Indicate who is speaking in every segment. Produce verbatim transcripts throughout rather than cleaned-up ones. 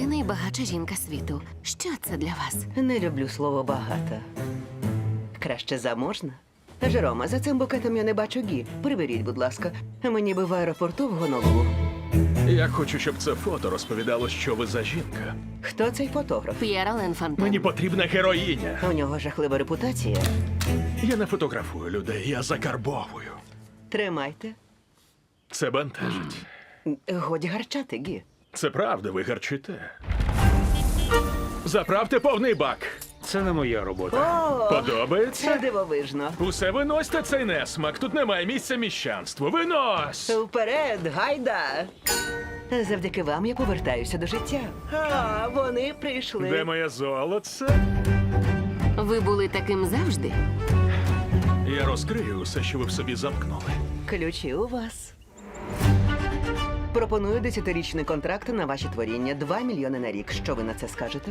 Speaker 1: Ви найбагатша жінка світу. Що це для вас?
Speaker 2: Не люблю слово багата. Краще заможна. Жерома, за цим букетом я не бачу гі. Приберіть, будь ласка. Мені би в аеропорту в Гонолулу.
Speaker 3: Я хочу, щоб це фото розповідало, що ви за жінка.
Speaker 2: Хто цей фотограф?
Speaker 1: П'єра Ленфантен.
Speaker 3: Мені потрібна героїня.
Speaker 2: У нього жахлива репутація.
Speaker 3: Я не фотографую людей, я закарбовую.
Speaker 2: Тримайте.
Speaker 3: Це бентежить.
Speaker 2: Годі гарчати, гі.
Speaker 3: Це правда, ви гарчите. Заправте повний бак.
Speaker 4: Це не моя робота.
Speaker 2: О, це
Speaker 3: Подобається?
Speaker 2: дивовижно.
Speaker 3: Усе виносьте цей несмак. Тут немає місця міщанству. Винось!
Speaker 2: Вперед, гайда! Завдяки вам я повертаюся до життя. А, вони прийшли.
Speaker 3: Де моє золоце?
Speaker 1: Ви були таким завжди?
Speaker 3: Я розкрию усе, що ви в собі замкнули.
Speaker 2: Ключі у вас. Пропоную десятирічний контракт на ваші творіння. Два мільйони на рік. Що ви на це скажете?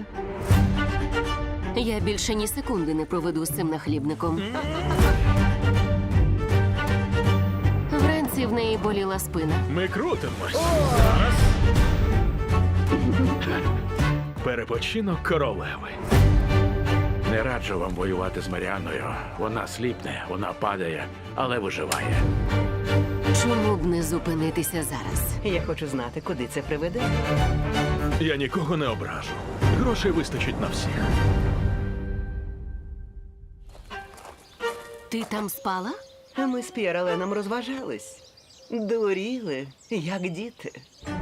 Speaker 1: Я більше ні секунди не проведу з цим нахлібником. Вранці в неї боліла спина.
Speaker 3: Ми крутимось. Зараз. Перепочинок королеви.
Speaker 4: Не раджу вам воювати з Маріанною. Вона сліпне, вона падає, але виживає.
Speaker 1: Чому б не зупинитися зараз?
Speaker 2: Я хочу знати, куди це приведе.
Speaker 3: Я нікого не ображу. Грошей вистачить на всіх.
Speaker 1: Ти там спала?
Speaker 2: А ми з П'єраленом розважались. Дуріли, як діти.